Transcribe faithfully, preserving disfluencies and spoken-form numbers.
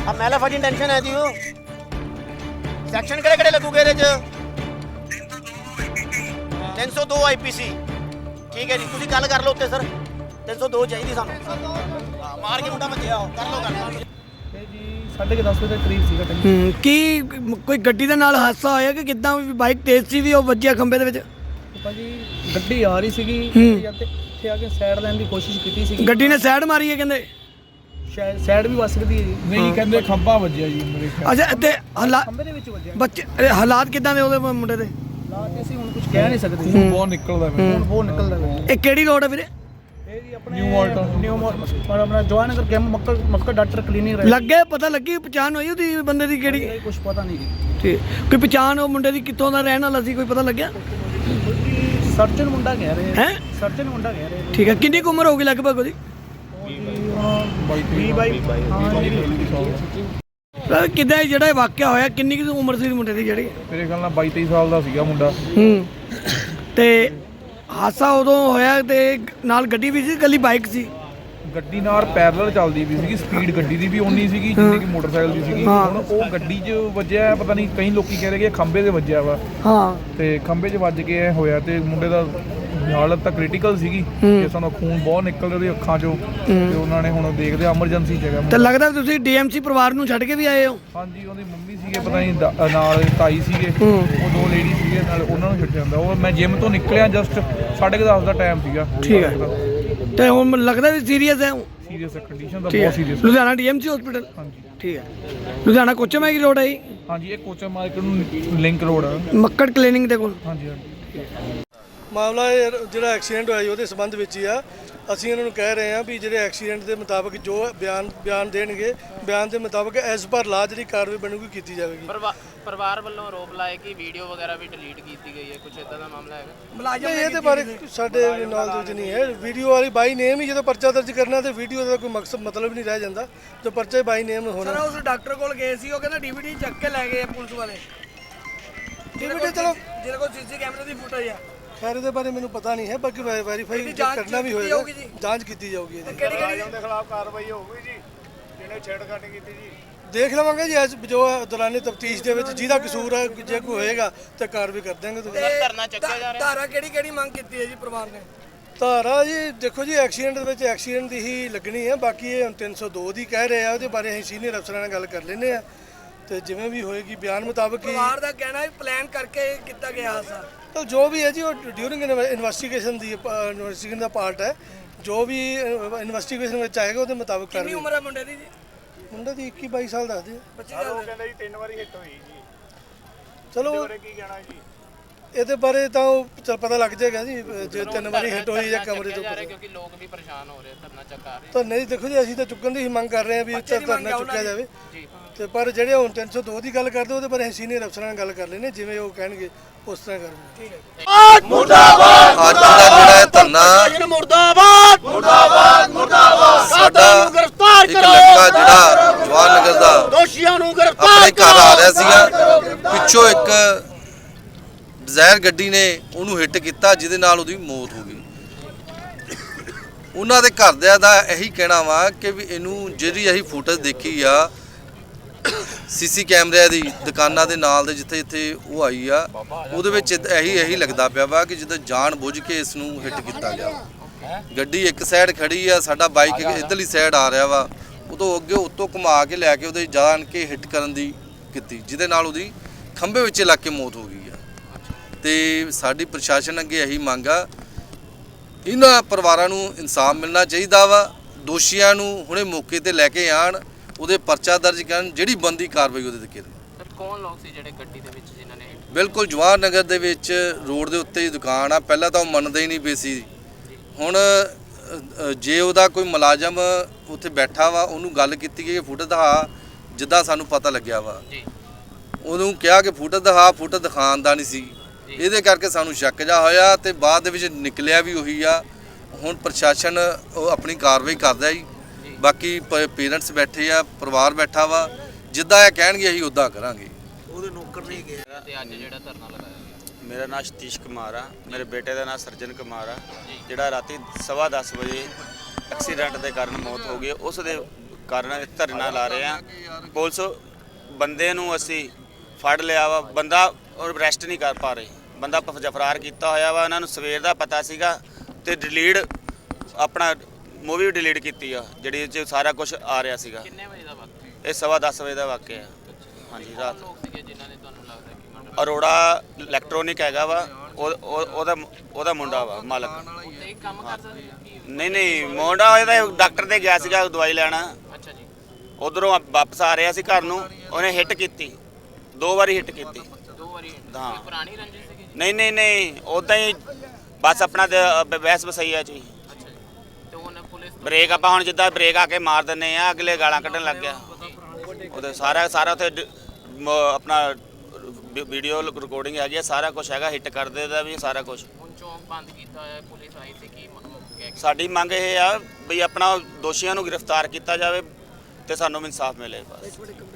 अब मैला फटी टेंशन है जी वो सैक्शन किहड़े किहड़े लगूगे ਇਹਦੇ ਚ तीन सौ दो आईपीसी ठीक है जी ਤੁਸੀਂ ਗੱਲ ਕਰ ਲਓ ਉੱਤੇ ਸਰ तीन सौ दो ਚਾਹੀਦੀ ਸਾਨੂੰ ਹਾਂ ਮਾਰ ਕੇ ਮੁੰਡਾ ਭੱਜਿਆ ਕਰ ਲਓ ਗੱਲ ਇਹ ਜੀ ਸਾਢੇ ਦਸ ਵਜੇ ਦੇ ਕਰੀਬ ਸੀਗਾ ਟਾਈਮ। ਹੂੰ ਕੀ ਕੋਈ ਗੱਡੀ ਦੇ ਨਾਲ ਹਾਦਸਾ ਹੋਇਆ ਕਿ ਕਿੱਦਾਂ ਬਾਈਕ ਤੇਜ਼ ਸੀ ਵੀ ਉਹ ਵੱਜਿਆ ਖੰਭੇ ਦੇ ਵਿੱਚ? ਭਾਜੀ ਗੱਡੀ ਆ ਰਹੀ ਸੀਗੀ ਹੂੰ। ਜਾਂ ਤੇ ਇੱਥੇ ਆ ਕੇ ਸਾਈਡ ਲੈਣ ਦੀ ਕੋਸ਼ਿਸ਼ ਕੀਤੀ ਸੀਗੀ। ਗੱਡੀ ਨੇ ਸਾਈਡ ਮਾਰੀ ਹੈ ਕਹਿੰਦੇ? ਸ਼ਾਇਦ ਸਾਈਡ ਵੀ ਵੱਜ ਸਕਦੀ ਹੈ ਜੀ। ਨਹੀਂ ਕਹਿੰਦੇ ਖੰਭਾ ਵੱਜਿਆ ਜੀ ਮੇਰੇ ਖਿਆਲ। ਅੱਛਾ ਤੇ ਹਾਲਾਤ ਖੰਭੇ ਦੇ ਵਿੱਚ ਵੱਜਿਆ। ਬੱਚੇ ਇਹ ਹਾਲਾਤ ਕਿੱਦਾਂ ਦੇ ਉਹਦੇ ਮੁੰਡੇ ਦੇ? ਹਾਲਾਤ ਅਸੀਂ ਹੁਣ ਕੁਝ ਕਹਿ ਨਹੀਂ ਸਕਦੇ। ਖੂਨ ਬਹੁਤ ਨਿਕਲਦਾ ਹੁਣ ਮੈਨੂੰ। ਬਹੁਤ ਨਿਕਲਦਾ ਹੈ। ਇਹ ਕਿਹੜੀ ਰੋਡ ਹੈ ਵੀਰੇ? ਇਹ ਜੀ ਆਪਣੇ ਨਿਊ ਮਾਲਟਾ। ਨਿਊ ਮਾਲਟਾ ਪਰ ਆਪਣਾ ਜਵਾਨਗਰ camp Makkar Makkar doctor clinic ਰਹੇ। ਲੱਗੇ ਪਤਾ ਲੱਗੀ ਪਛਾਣ ਹੋਈ ਉਹਦੀ ਬੰਦੇ ਦੀ ਕਿਹੜੀ? ਕੁਝ ਪਤਾ ਨਹੀਂ ਜੀ। ਠੀਕ ਕੋਈ ਪਛਾਣ ਉਹ ਮੁੰਡੇ ਦੀ ਕਿੱਥੋਂ ਦਾ ਰਹਿਣ ਵਾਲਾ ਸੀ ਕੋਈ ਪਤਾ ਲੱਗਿਆ? ਸਰਜਨ ਮੁੰਡਾ ਕਹਿ ਰਹੇ ਹੈ ਸਰਜਨ ਮੁੰਡਾ ਕਹਿ ਰਹੇ ਠੀਕ ਹੈ ਕਿੰਨੀ ਕੁ ਉਮਰ ਹੋਗੀ ਲਗਭਗ ਉਹਦੀ? ਵੀਹ ਬਾਈ ਸਰ ਕਿੱਦਾਂ ਇਹ ਜਿਹੜਾ ਇਹ ਵਾਕਿਆ ਹੋਇਆ ਕਿੰਨੀ ਕੁ ਉਮਰ ਸੀ ਮੁੰਡੇ ਦੀ ਜਿਹੜੀ? ਮੇਰੇ ਖਿਆਲ ਨਾਲ ਬਾਈ ਤੇਈ ਸਾਲ ਦਾ ਸੀਗਾ ਮੁੰਡਾ। ਹੂੰ ਤੇ ਹਾਦਸਾ ਉਦੋਂ ਹੋਇਆ ਤੇ ਨਾਲ ਗੱਡੀ ਵੀ ਸੀ ਇਕੱਲੀ ਬਾਈਕ ਸੀ? ਗੱਡੀ ਨਾਲ ਪੈਰਲਲ ਚੱਲਦੀ ਵੀ ਸੀਗੀ ਸਪੀਡ ਗੱਡੀ ਦੀ ਵੀ ਓਨੀ ਸੀਗੀ ਜਿੰਨੀ ਕਿ ਮੋਟਰਸਾਈਕਲ ਦੀ ਸੀਗੀ। ਹਾਂ। ਹੁਣ ਉਹ ਗੱਡੀ 'ਚ ਵੱਜਿਆ ਪਤਾ ਨਹੀਂ ਕਈ ਲੋਕੀ ਕਹਿ ਰਹੇ ਕਿ ਖੰਭੇ 'ਤੇ ਵੱਜਿਆ ਵਾ ਹਾਂ ਤੇ ਖੰਭੇ 'ਚ ਵੱਜ ਕੇ ਇਹ ਹੋਇਆ ਤੇ ਮੁੰਡੇ ਦਾ ਹਾਲਤ ਤਾਂ ਕ੍ਰਿਟੀਕਲ ਸੀਗੀ ਕਿ ਸਾਨੂੰ ਖੂਨ ਬਹੁਤ ਨਿਕਲ ਰਿਹਾ ਉਹਦੀ ਅੱਖਾਂ 'ਚੋਂ ਤੇ ਉਹਨਾਂ ਨੇ ਹੁਣ ਦੇਖਦੇ ਐਮਰਜੈਂਸੀ 'ਚ ਹੈਗਾ ਤੇ ਮੁੰਡਾ। ਲੱਗਦਾ ਤੁਸੀਂ ਡੀਐਮਸੀ ਪਰਿਵਾਰ ਨੂੰ ਛੱਡ ਕੇ ਵੀ ਆਏ ਹੋ? ਹਾਂਜੀ ਉਹਦੀ ਮੰਮੀ ਸੀਗੇ ਪਤਾ ਨਹੀਂ ਦਾ- ਨਾਲ ਤਾਈ ਸੀਗੇ ਉਹ ਦੋ ਲੇਡੀ ਸੀਗੇ ਨਾਲ ਉਹਨਾਂ ਨੂੰ ਛੱਡ ਜਾਂਦਾ। ਉਹ ਮੈਂ ਜਿਮ ਤੋਂ ਨਿਕਲਿਆ ਜਸਟ ਸਾਢੇ ਕੁ ਦਸ ਦਾ ਟਾਈਮ ਸੀਗਾ। ਠੀਕ ਹੈ ਤੇ ਹੁਣ ਲੱਗਦਾ ਵੀ ਸੀਰੀਅਸ ਹੈ ਉਹ? ਸੀਰੀਅਸ ਕੰਡੀਸ਼ਨ ਤਾਂ ਠੀਕ ਬਹੁਤ ਹੈ ਸੀਰੀਅਸ। Ludhiana DMC hospital? ਹਾਂਜੀ ਠੀਕ ਹੈ ਲੁਧਿਆਣਾ ਕੋਚੇ ਮੈਂ ਕੀ ਰੋਡ ਹੈ ਜੀ? ਹਾਂਜੀ ਇਹ ਕੋਚਾ ਮਾਰਕੀਟ ਨੂੰ ਲਿੰਕ ਰੋਡ ਆ। ਮੱਕੜ ਕਲੀਨਿਕ ਦੇ ਕੋਲ? ਹਾਂਜੀ ਹਾਂਜੀ ਮਾਮਲਾ ਇਹ ਜਿਹੜਾ ਐਕਸੀਡੈਂਟ ਹੋਇਆ ਜੀ ਉਹਦੇ ਸੰਬੰਧ ਵਿੱਚ ਹੀ ਆ। ਅਸੀਂ ਇਹਨਾਂ ਨੂੰ ਕਹਿ ਰਹੇ ਹਾਂ ਵੀ ਜਿਹੜੇ ਐਕਸੀਡੈਂਟ ਦੇ ਮੁਤਾਬਕ ਜੋ ਬਿਆਨ ਬਿਆਨ ਦੇਣਗੇ ਬਿਆਨ ਦੇ ਮੁਤਾਬਕ ਐਸ ਪਰ ਲਾ ਜਿਹੜੀ ਕਾਰਵਾਈ ਬਣੂਗੀ ਕੀਤੀ ਜਾਵੇਗੀ। ਪਰਿਵਾਰ ਵੱਲੋਂ ਆਰੋਪ ਲਾਇਆ ਕਿ ਵੀਡੀਓ ਵਗੈਰਾ ਵੀ ਡਿਲੀਟ ਕੀਤੀ ਗਈ ਹੈ ਕੁਝ ਇਦਾਂ ਦਾ ਮਾਮਲਾ ਹੈਗਾ? ਨਹੀਂ ਇਹਦੇ ਬਾਰੇ ਸਾਡੇ ਨੌਲੇਜ ਨਹੀਂ ਹੈ। ਵੀਡੀਓ ਵਾਲੀ ਬਾਈ ਨੇਮ ਹੀ ਜਦੋਂ ਪਰਚਾ ਦਰਜ ਕਰਨਾ ਤੇ ਵੀਡੀਓ ਦਾ ਕੋਈ ਮਕਸਦ ਮਤਲਬ ਨਹੀਂ ਰਹਿ ਜਾਂਦਾ ਜੋ ਪਰਚਾ ਬਾਈ ਨੇਮ ਹੋਣਾ। ਉਸ ਡਾਕਟਰ ਕੋਲ ਗਏ ਸੀ ਉਹ ਕਹਿੰਦਾ ਡੀਵੀਡੀ ਚੱਕ ਕੇ ਲੈ ਗਏ ਪੁਲਿਸ ਵਾਲੇ। ਡੀਵੀਡੀ ਚਲੋ ਜਿਹਦੇ ਕੋਲ ਸੀਸੀ ਕੈਮਰੇ ਦੀ ਫੁਟੇਜ ਆ। ਖੈਰ ਇਹਦੇ ਬਾਰੇ ਮੈਨੂੰ ਪਤਾ ਨਹੀਂ ਹੈ ਬਾਕੀ ਵੈਰੀਫਾਈ ਕਰਨਾ ਵੀ ਹੋਏਗਾ ਜਾਂਚ ਕੀਤੀ ਜਾਊਗੀ ਇਹਦੀ। ਕਿਹੜੀ ਕਿਹੜੀ ਦੇ ਖਿਲਾਫ ਕਾਰਵਾਈ ਹੋਊਗੀ ਜੀ ਜਿਹਨੇ ਛੇੜਖਾਨੀ ਕੀਤੀ ਜੀ। ਦੇਖ ਲਵਾਂਗੇ ਜੀ ਅੱਜ ਜੋ ਦੌਰਾਨੇ ਤਫਤੀਸ਼ ਦੇ ਵਿੱਚ ਜਿਹਦਾ ਕਸੂਰ ਹੈ ਜੇ ਕੋਈ ਹੋਏਗਾ ਤੇ ਕਾਰਵਾਈ ਕਰ ਦਾਂਗੇ। ਤੁਸੀਂ ਧਰਨਾ ਚੱਕਿਆ ਜਾ ਰਿਹਾ? ਧਾਰਾ ਕਿਹੜੀ ਕਿਹੜੀ ਮੰਗ ਕੀਤੀ ਹੈ ਜੀ ਪਰਿਵਾਰ ਨੇ? ਧਾਰਾ ਜੀ ਦੇਖੋ ਜੀ ਐਕਸੀਡੈਂਟ ਦੇ ਵਿੱਚ ਐਕਸੀਡੈਂਟ ਦੀ ਹੀ ਲੱਗਣੀ ਹੈ। ਬਾਕੀ ਇਹ ਹੁਣ ਤਿੰਨ ਸੌ ਦੋ ਦੀ ਕਹਿ ਰਹੇ ਆ ਉਹਦੇ ਬਾਰੇ ਅਸੀਂ ਸੀਨੀਅਰ ਅਫਸਰਾਂ ਨਾਲ ਗੱਲ ਕਰ ਲੈਂਦੇ ਆ ਤੇ ਜਿਵੇਂ ਵੀ ਹੋਏਗੀ ਬਿਆਨ ਮੁਤਾਬਕ ਹੀ ਪਰਿਵਾਰ ਦਾ ਕਹਿਣਾ ਹੈ ਪਲਾਨ ਕਰਕੇ ਕੀਤਾ ਗਿਆ ਹਾਦਸਾ। ਤਾਂ ਜੋ ਵੀ ਹੈ ਜੀ ਉਹ ਡਿਊਰਿੰਗ ਇਨਵੈਸਟੀਗੇਸ਼ਨ ਦੀ ਇਨਵੈਸਟੀਗੇਸ਼ਨ ਦਾ ਪਾਰਟ ਹੈ। ਜੋ ਵੀ ਇਨਵੈਸਟੀਗੇਸ਼ਨ ਵਿੱਚ ਆਏਗਾ ਉਹਦੇ ਮੁਤਾਬਕ ਕਰ ਕਿੰਨੀ ਉਮਰ ਹੈ ਮੁੰਡੇ ਦੀ ਜੀ? ਮੁੰਡੇ ਦੀ ਇੱਕੀ ਬਾਈ ਸਾਲ ਦੱਸਦੇ ਆ। ਬੱਚੀ ਉਹ ਦਾ ਕਹਿੰਦਾ ਜੀ ਤਿੰਨ ਵਾਰੀ ਹਿੱਟ ਹੋਈ ਜੀ। ਚਲੋ ਉਹਦੇ ਕੀ ਕਹਿਣਾ ਜੀ? ਇਹਦੇ ਬਾਰੇ ਤਾਂ ਉਹ ਚੱਲ ਪਤਾ ਲੱਗ ਜਾਏਗਾ ਜੀ ਜੇ ਤਿੰਨ ਵਾਰੀ ਹਿੱਟ ਹੋਈ ਜਾਂ ਕਮਰੇ ਤੋਂ ਜਾ ਰਿਹਾ ਕਿਉਂਕਿ ਲੋਕ ਵੀ ਪਰੇਸ਼ਾਨ ਹੋ ਰਹੇ ਧਰਨਾ ਚੱਕਾ ਰਹੇ। ਤਾਂ ਨਹੀਂ ਦੇਖੋ ਜੀ ਅਸੀਂ ਤਾਂ ਚੁੱਕਣ ਦੀ ਹੀ ਮੰਗ ਕਰ ਰਹੇ ਹਾਂ ਵੀ ਉੱਤੇ ਧਰਨਾ ਚੁੱਕਿਆ ਜਾਵੇ ਤੇ ਪਰ ਜਿਹੜੇ ਹੁਣ ਤਿੰਨ ਸੌ ਦੋ ਦੀ ਗੱਲ ਕਰਦੇ ਉਹਦੇ ਬਾਰੇ ਅਸੀਂ ਸੀਨੀਅਰ ਅਫਸਰਾਂ ਨਾਲ ਗੱਲ ਕਰ ਲੈਣੇ ਜਿਵੇਂ ਉਹ ਕਹਿਣਗੇ ਉਸ ਤਰ੍ਹਾਂ ਕਰਾਂਗੇ। ਅੱਜ ਦਾ ਜਿਹੜਾ ਇਹ ਧਰਨਾ ਮੁਰਦਾਬਾਦ ਮੁਰਦਾਬਾਦ ਮੁਰਦਾਬਾਦ ਸਾਡਾ ਗ੍ਰਿਫਤਾਰ ਇੱਕ ਲੜਕਾ ਜਿਹੜਾ ਜਵਾਨ ਨਗਰ ਦਾ ਦੋਸ਼ੀਆਂ ਨੂੰ ਗ੍ਰਿਫਤਾਰ ਆਪਣੇ ਘਰ ਆ ਰਿਹਾ ਸੀਗਾ ਪਿੱਛੋਂ ਇੱਕ ਡਿਜ਼ਾਇਰ ਗੱਡੀ ਨੇ ਉਹਨੂੰ ਹਿੱਟ ਕੀਤਾ ਜਿਹਦੇ ਨਾਲ ਉਹਦੀ ਮੌਤ ਹੋ ਗਈ। ਉਹਨਾਂ ਦੇ ਘਰਦਿਆਂ ਦਾ ਇਹੀ ਕਹਿਣਾ ਵਾ ਕਿ ਵੀ ਇਹਨੂੰ ਜਿਹੜੀ ਅਸੀਂ ਫੁਟੇਜ ਦੇਖੀ ਆ ਸੀਸੀ ਕੈਮਰਿਆਂ ਦੀ ਦੁਕਾਨਾਂ ਦੇ ਨਾਲ ਦੇ ਜਿੱਥੇ ਜਿੱਥੇ ਉਹ ਆਈ ਆ ਉਹਦੇ ਵਿੱਚ ਇਹੀ ਇਹੀ ਲੱਗਦਾ ਪਿਆ ਵਾ ਕਿ ਜਿੱਦਾਂ ਜਾਣ ਬੁੱਝ ਕੇ ਇਸ ਨੂੰ ਹਿੱਟ ਕੀਤਾ ਗਿਆ। ਗੱਡੀ ਇੱਕ ਸਾਈਡ ਖੜੀ ਆ ਸਾਡਾ ਬਾਈਕ ਇੱਧਰਲੀ ਸਾਈਡ ਆ ਰਿਹਾ ਵਾ ਉਦੋਂ ਅੱਗੇ ਉੱਤੋਂ ਘੁਮਾ ਕੇ ਲੈ ਕੇ ਉਹਦੇ ਜਾਣ ਕੇ ਹਿੱਟ ਕਰਨ ਦੀ ਕੀਤੀ ਜਿਹਦੇ ਨਾਲ ਉਹਦੀ ਖੰਭੇ ਵਿੱਚ ਲੱਗ ਕੇ ਮੌਤ ਹੋ ਗਈ ਆ। ਤੇ ਸਾਡੀ ਪ੍ਰਸ਼ਾਸਨ ਅੱਗੇ ਇਹੀ ਮੰਗ ਆ ਇਹਨਾਂ ਪਰਿਵਾਰਾਂ ਨੂੰ ਇਨਸਾਫ ਮਿਲਣਾ ਚਾਹੀਦਾ ਵਾ। ਦੋਸ਼ੀਆਂ ਨੂੰ ਹੁਣੇ ਮੌਕੇ ਤੇ ਲੈ ਕੇ ਆਣ ਉਹਦੇ ਪਰਚਾ ਦਰਜ ਕਰਨ ਜਿਹੜੀ ਬੰਦੀ ਕਾਰਵਾਈ ਉਹਦੇ ਤੇ ਕਰਨ। ਕੌਣ ਲੋਕ ਸੀ ਜਿਹੜੇ ਗੱਡੀ ਦੇ ਵਿੱਚ ਜਿਨ੍ਹਾਂ ਨੇ? ਬਿਲਕੁਲ ਜਵਾਹਰ ਨਗਰ ਦੇ ਵਿੱਚ ਰੋਡ ਦੇ ਉੱਤੇ ਹੀ ਦੁਕਾਨ ਆ। ਪਹਿਲਾਂ ਤਾਂ ਉਹ ਮੰਨਦੇ ਹੀ ਨਹੀਂ ਪਏ ਸੀ। ਹੁਣ ਜੇ ਉਹਦਾ ਕੋਈ ਮੁਲਾਜ਼ਮ ਉੱਥੇ ਬੈਠਾ ਵਾ ਉਹਨੂੰ ਗੱਲ ਕੀਤੀ ਕਿ ਫੁਟੇਜ ਦਿਖਾ ਜਿੱਦਾਂ ਸਾਨੂੰ ਪਤਾ ਲੱਗਿਆ ਵਾ ਉਹਨੂੰ ਕਿਹਾ ਕਿ ਫੁਟੇਜ ਦਿਖਾ ਫੁਟੇਜ ਦਿਖਾਉਣ ਦਾ ਨਹੀਂ ਸੀ। ਇਹਦੇ ਕਰਕੇ ਸਾਨੂੰ ਸ਼ੱਕ ਜਾ ਹੋਇਆ ਤੇ ਬਾਅਦ ਦੇ ਵਿੱਚ ਨਿਕਲਿਆ ਵੀ ਉਹੀ ਆ। ਹੁਣ ਪ੍ਰਸ਼ਾਸਨ ਉਹ ਆਪਣੀ ਕਾਰਵਾਈ ਕਰਦਾ ਜੀ। ਬਾਕੀ ਪੇਰੈਂਟਸ ਬੈਠੇ ਆ ਪਰਿਵਾਰ ਬੈਠਾ ਵਾ ਜਿੱਦਾਂ ਇਹ ਕਹਿਣਗੇ ਅਸੀਂ ਉੱਦਾਂ ਕਰਾਂਗੇ। ਉਹਦੇ ਨੌਕਰ ਨਹੀਂ ਗਿਆ ਤੇ ਅੱਜ ਜਿਹੜਾ ਧਰਨਾ ਲਗਾਇਆ ਗਿਆ? ਮੇਰਾ ਨਾਮ ਸਤੀਸ਼ ਕੁਮਾਰ ਆ। ਮੇਰੇ ਬੇਟੇ ਦਾ ਨਾਮ ਸਰਜਨ ਕੁਮਾਰ ਆ ਜਿਹੜਾ ਰਾਤੀ ਸਵਾ ਦਸ ਵਜੇ ਐਕਸੀਡੈਂਟ ਦੇ ਕਾਰਨ ਮੌਤ ਹੋ ਗਈ। ਉਸ ਦੇ ਕਾਰਨ ਧਰਨਾ ਲਾ ਰਹੇ ਆ। ਪੁਲਿਸ ਬੰਦੇ ਨੂੰ ਅਸੀਂ ਫੜ ਲਿਆ ਵਾ, ਬੰਦਾ ਅਰੈਸਟ ਨਹੀਂ ਕਰ ਪਾ ਰਹੇ, ਬੰਦਾ ਪ- ਫਰਾਰ ਕੀਤਾ ਹੋਇਆ ਵਾ। ਉਹਨਾਂ ਨੂੰ ਸਵੇਰ ਦਾ ਪਤਾ ਸੀਗਾ ਤੇ ਡਿਲੀਟ ਆਪਣਾ ਮੂਵੀ ਡਿਲੀਟ ਕੀਤੀ ਆ ਜਿਹੜੀ ਇਹ 'ਚ ਸਾਰਾ ਕੁਝ ਆ ਰਿਹਾ ਸੀਗਾ। ਕਿੰਨੇ ਵਜੇ ਦਾ ਵਕਤ? ਇਹ ਸਵਾ ਦਸ ਵਜੇ ਦਾ ਵਾਕਿਆ ਹੈ। ਹਾਂਜੀ ਰਾਤ। ਲੋਕ ਸੀਗੇ ਜਿਨ੍ਹਾਂ ਨੇ ਤੁਹਾਨੂੰ ਲੱਗਦਾ ਕਿ ਮਰਡਰ ਅਰੋੜਾ ਇਲੈਕਟ੍ਰੋਨਿਕ ਹੈਗਾ ਵਾ, ਉਹ ਉਹ- ਉਹਦਾ ਉਹਦਾ ਮੁੰਡਾ ਵਾ ਮਾਲਕ। ਉੱਤੇ ਹੀ ਕੰਮ ਕਰਦਾ ਸੀ ਕੀ? ਨਹੀਂ ਨਹੀਂ ਮੁੰਡਾ ਇਹਦਾ ਡਾਕਟਰ ਦੇ ਗਿਆ ਸੀਗਾ ਦਵਾਈ ਲੈਣਾ, ਅੱਛਾ ਜੀ। ਉਧਰੋਂ ਵਾਪਸ ਆ ਰਿਹਾ ਸੀ ਘਰ ਨੂੰ, ਉਹਨੇ ਹਿੱਟ ਕੀਤੀ, ਦੋ ਵਾਰੀ ਹਿੱਟ ਕੀਤੀ। ਦੋ ਵਾਰੀ ਹਾਂ। ਕੋਈ ਪੁਰਾਣੀ ਰੰਜਿਸ਼ ਸੀਗੀ ਜੀ? ਨਹੀਂ ਨਹੀਂ ਨਹੀਂ ਉਦਾਂ ਹੀ ਬਸ ਆਪਣਾ ਤੇ ਬਹਿਸ ਬਸਈਆ ਚ ਹੀ। ਅੱਛਾ ਜੀ। ਤੇ ਹੁਣ ਪੁਲਿਸ ਤੋਂ ਬ੍ਰੇਕ ਆਪਾਂ ਹੁਣ ਜਿੱਦਾਂ ਬ੍ਰੇਕ ਆ ਕੇ ਮਾਰ ਦਿੰਨੇ ਆ, ਅਗਲੇ ਗਾਲਾਂ ਕੱਢਣ ਲੱਗ ਗਿਆ। ਉਹਦੇ ਸਾਰਾ ਸਾਰਾ ਉੱਥੇ ਡ- ਮ- ਆਪਣਾ ਵੀਡੀਓ ਰਿਕਾਰਡਿੰਗ ਹੈਗੀ ਆ, ਸਾਰਾ ਕੁਝ ਹੈਗਾ, ਹਿੱਟ ਕਰਦੇ ਦਾ ਵੀ ਸਾਰਾ ਕੁਝ। ਹੁਣ ਚੌਂਕ ਬੰਦ ਕੀਤਾ ਹੋਇਆ, ਪੁਲਿਸ ਆਈ ਸੀ ਕੀ ਮ- ਕਹਿ ਕੇ? ਸਾਡੀ ਮੰਗ ਇਹ ਆ ਵੀ ਆਪਣਾ ਦੋਸ਼ੀਆਂ ਨੂੰ ਗ੍ਰਿਫਤਾਰ ਕੀਤਾ ਜਾਵੇ ਤੇ ਸਾਨੂੰ ਇਨਸਾਫ ਮਿਲੇ ਬਸ।